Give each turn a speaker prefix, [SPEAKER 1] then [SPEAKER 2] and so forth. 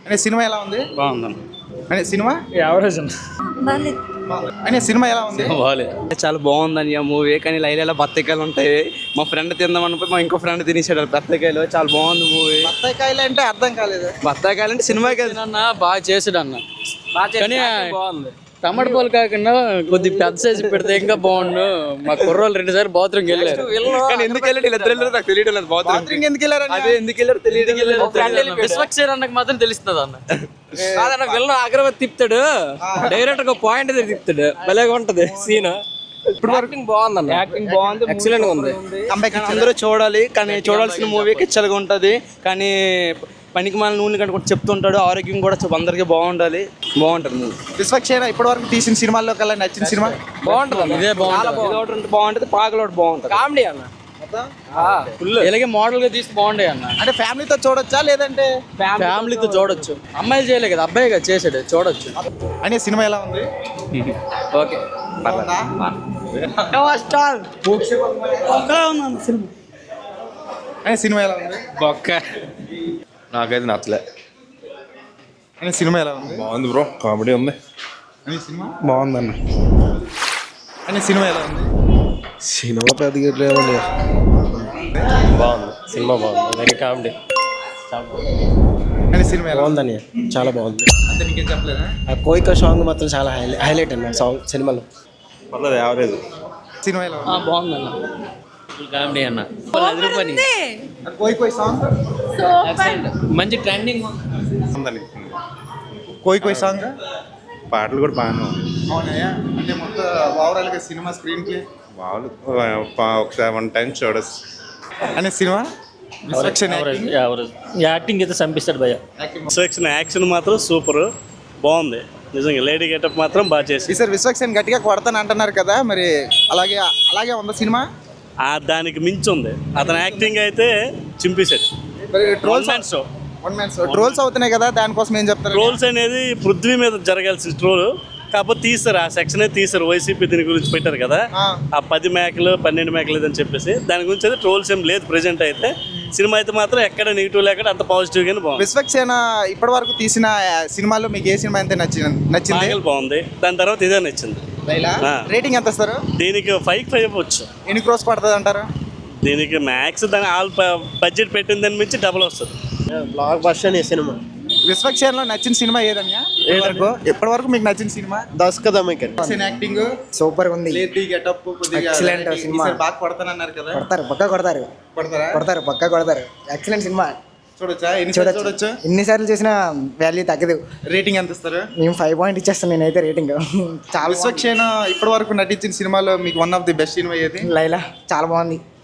[SPEAKER 1] అంటే సినిమా ఎలా ఉంది?
[SPEAKER 2] బాగుందన్న.
[SPEAKER 1] అంటే సినిమా
[SPEAKER 2] యావరేజ్
[SPEAKER 1] అంటే సినిమా ఎలా ఉంది?
[SPEAKER 3] చాలా బాగుందని ఆ మూవీ. కానీ లైలలో బత్తకాయలు ఉంటాయి. మా ఫ్రెండ్ తిందామని మా ఇంకో ఫ్రెండ్ తినేసాడు బత్తకాయలు. చాలా బాగుంది మూవీ.
[SPEAKER 1] బత్తాయికాయలు అంటే అర్థం కాలేదు.
[SPEAKER 3] బత్తాకాయలు అంటే సినిమాకి
[SPEAKER 2] అన్న బాగా చేసాడు అన్న. కానీ బాగుంది. టమాటా పాలు కాకుండా కొద్దిగా పెద్ద సైజు పెడితే ఇంకా బాగుండు. మా కుర్రోళ్ళు 2 సార్లు బాత్రూమ్కి వెళ్ళారు.
[SPEAKER 3] కానీ ఎందుకు వెళ్ళాడు ఇద్దరు వెళ్ళారు నాకు తెలియడం లేదు.
[SPEAKER 1] బాత్రూమ్ ఎందుకు వెళ్ళారండి?
[SPEAKER 3] అదే ఎందుకు వెళ్ళారు తెలియదు.
[SPEAKER 2] విశ్వక్సేన్ అన్నకు మాత్రం తెలుస్తుంది అన్న. కాదన్న విలన్ అగ్రవత్ తిప్పుతాడు, డైరెక్ట్ గా పాయింట్ తిప్పుతాడు. భలేగా ఉంటది సీన్. ఇప్పుడు యాక్టింగ్ బాగుంది.
[SPEAKER 3] యాక్టింగ్ బాగుంది,
[SPEAKER 2] ఎక్సలెంట్ గా ఉంది.
[SPEAKER 3] అందరూ చూడాలి. కానీ చూడాల్సిన మూవీ కిచ్చలుగా ఉంటది. కానీ పనికి మన నూనె కంటే కూడా చెప్తుంటాడు. ఆరోగ్యం కూడా అందరికీ బాగుండాలి. బాగుంటది మూవీ.
[SPEAKER 1] విశ్వక్సేన ఇప్పటి వరకు తీసిన సినిమాల్లో కల్లా నచ్చిన సినిమా
[SPEAKER 2] బాగుంటది. ఇదే బాగుంటది.
[SPEAKER 3] బాగుంటది. పాకలోడు బాగుంటది.
[SPEAKER 2] కామెడీ అన్న. ఇలాగే మోడల్ గా తీసి బాగుండే అన్న.
[SPEAKER 1] అంటే ఫ్యామిలీతో చూడొచ్చా లేదంటే
[SPEAKER 2] ఫ్యామిలీతో చూడొచ్చు. అమ్మాయిలు చేయలే కదా, అబ్బాయి కదా చేసాడు, చూడొచ్చు.
[SPEAKER 1] అనే సినిమా ఎలా ఉంది?
[SPEAKER 2] ఓకే
[SPEAKER 1] అనే సినిమా ఎలా ఉంది?
[SPEAKER 4] నాకైతే నచ్చలే.
[SPEAKER 1] అనే సినిమా ఎలా ఉంది?
[SPEAKER 4] బాగుంది బ్రో, కామెడీ ఉంది.
[SPEAKER 1] అనే సినిమా
[SPEAKER 4] బాగుందన్న.
[SPEAKER 1] అనే సినిమా ఎలా ఉంది?
[SPEAKER 4] సినిమా పెద్దగా
[SPEAKER 5] బాగుంది. సినిమా బాగుంది. Very comedy.
[SPEAKER 1] అనే సినిమా ఎలా ఉంది?
[SPEAKER 5] బాగుందని చాలా బాగుంది.
[SPEAKER 1] అంతే నీకేం చెప్పలేదా?
[SPEAKER 5] ఆ కోయిక సాంగ్ మాత్రం చాలా హైలైట్ అన్న సాంగ్ సినిమాలో.
[SPEAKER 4] పర్లేదు, యావరేజ్.
[SPEAKER 1] సినిమా ఎలా ఉంది?
[SPEAKER 2] బాగుందన్న. కామెడీ అన్న. 10 రూపాయలు
[SPEAKER 1] కోయి కోయి సాంగ్
[SPEAKER 2] మంచి ట్రెండింగ్.
[SPEAKER 1] కోయి కోయి సాంగ్
[SPEAKER 4] పాటలు కూడా బాగానే ఉంది.
[SPEAKER 1] అవునాయా? అంటే మొత్తం ఓవరాల్గా సినిమా స్క్రీన్ ప్లే
[SPEAKER 4] వాళ్ళు ఒకసారి 1 టైం చూడొచ్చు.
[SPEAKER 1] అనే సినిమా విశ్వక్సేన
[SPEAKER 2] యాక్టింగ్ అయితే చంపిస్తాడు భయ్య.
[SPEAKER 6] విశ్వక్సేన యాక్షన్ మాత్రం సూపర్ బాగుంది. నిజంగా లేడీ గెటప్ మాత్రం బాగా చేసి.
[SPEAKER 1] ఈసారి విశ్వక్సేన గట్టిగా కొడతాను అంటున్నారు కదా, మరి అలాగే అలాగే ఉందా సినిమా?
[SPEAKER 6] దానికి మించి ఉంది. అతని యాక్టింగ్ అయితే చింపేశాడు.
[SPEAKER 1] ట్రోల్స్ ట్రోల్స్ అవుతున్నాయి కదా, దానికోసం ఏం చెప్తారు?
[SPEAKER 6] ట్రోల్స్ అనేది పృథ్వీ మీద జరగాల్సిన ట్రోల్ కాకపోతే తీస్తారు. ఆ సెక్షన్ తీస్తారు. వైసీపీ దీని గురించి పెట్టారు కదా, ఆ 10 మేకలు 12 మేకలు అని చెప్పేసి దాని గురించి అయితే ట్రోల్స్ ఏం లేదు ప్రెజెంట్ అయితే. సినిమా అయితే మాత్రం ఎక్కడ నెగిటివ్ లేకుండా అంత పాజిటివ్ గానే బాగుంది.
[SPEAKER 1] విశ్వక్సేన ఇప్పటి వరకు తీసిన సినిమాల్లో మీకు ఏ సినిమా అయితే నచ్చింది?
[SPEAKER 6] నాగల్ బాగుంది. దాని తర్వాత ఇదే నచ్చింది.
[SPEAKER 1] రేటింగ్ ఎంత ఇస్తారు?
[SPEAKER 6] దీనికి 5 ఇవ్వచ్చు.
[SPEAKER 1] ఎన్ని క్రోస్ పడుతుంది అంటారు?
[SPEAKER 6] దీనికి మ్యాక్స్ దాని ఆల్ బడ్జెట్ పెట్టిన దాని మించి డబుల్ వస్తుంది.
[SPEAKER 5] బ్లాక్ బస్టర్ ఈ సినిమా.
[SPEAKER 1] విశ్వక్సేనలో నచ్చిన సినిమా ఏదన్నా? ఇప్పటి వరకు మీకు నచ్చిన సినిమా?
[SPEAKER 5] దస్కదమికన్
[SPEAKER 1] యాక్టింగ్
[SPEAKER 5] సూపర్ ఉంది.
[SPEAKER 1] లేడీ గెటప్
[SPEAKER 5] Excellent సినిమా.
[SPEAKER 1] బాగా కొడతానన్నారు కదా,
[SPEAKER 5] కొడతారు పక్కా కొడతారు.
[SPEAKER 1] కొడతారా?
[SPEAKER 5] కొడతారు పక్కా కొడతారు. ఎక్సలెంట్ సినిమా.
[SPEAKER 1] చూడొచ్చా? ఎన్నిసార్లు చూడొచ్చు?
[SPEAKER 5] ఎన్నిసార్లు చేసిన వాల్యూ తగ్గదు.
[SPEAKER 1] రేటింగ్ ఎంత ఇస్తారు?
[SPEAKER 5] మేము 5 పాయింట్ ఇచ్చేస్తాను నేనైతే రేటింగ్. చాలా
[SPEAKER 1] విశ్వక్సేన ఇప్పటి వరకు నటించిన సినిమాలో మీకు వన్ ఆఫ్ ది బెస్ట్ సినిమా ఏది?
[SPEAKER 5] లైలా చాలా బాగుంది.